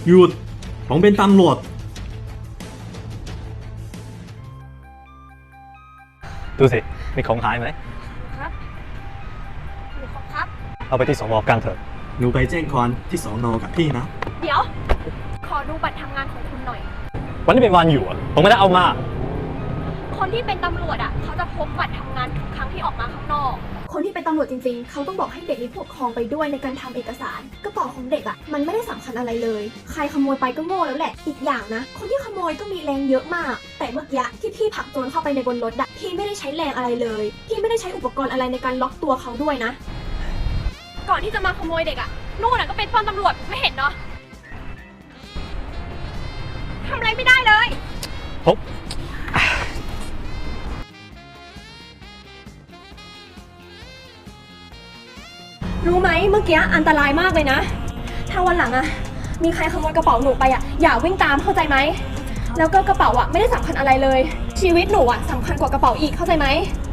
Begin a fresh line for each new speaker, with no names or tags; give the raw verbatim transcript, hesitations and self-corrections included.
หยุดผมเป็นตำรวจ
ดูสิมีของหายไหม
ครับหนูขอครับ
เอาไปที่สนกลางเถอะ
หนูไปแจ้งความที่สนกับพี่นะ
เดี๋ยวขอดูบัตรทำงานของคุณหน่อย
วันนี้เป็นวันอยู่อ่ะผมไม่ได้เอามา
คนที่เป็นตำรวจอ่ะเขาจะพกบัตรทำงานทุกครั้งที่ออกมาข้างนอก
คนที่เป็นตำรวจจริงๆเขาต้องบอกให้เด็กมีผู้ปกครองไปด้วยในการทำเอกสารกระเป๋าของเด็กอ่ะมันไม่ได้สำคัญอะไรเลยใครขโมยไปก็โง่แล้วแหละอีกอย่างนะคนที่ขโมยก็มีแรงเยอะมากแต่เมื่อกี้ที่พี่ผลักโจรเข้าไปในบนรถอะพี่ไม่ได้ใช้แรงอะไรเลยพี่ไม่ได้ใช้อุปกรณ์อะไรในการล็อกตัวเขาด้วยนะ
ก่อนที่จะมาขโมยเด็กอ่ะนู่นน่ะก็เป็นป้อมตำรวจไม่เห็นเนาะทำอะไรไม่ได้เลย
ผม
รู้ไหมเมื่อกี้อันตรายมากเลยนะถ้าวันหลังอะมีใครขโมยกระเป๋าหนูไปอะอย่าวิ่งตามเข้าใจไหมแล้วก็กระเป๋าอะไม่ได้สำคัญอะไรเลยชีวิตหนูอะสำคัญกว่ากระเป๋าอีกเข้าใจไหม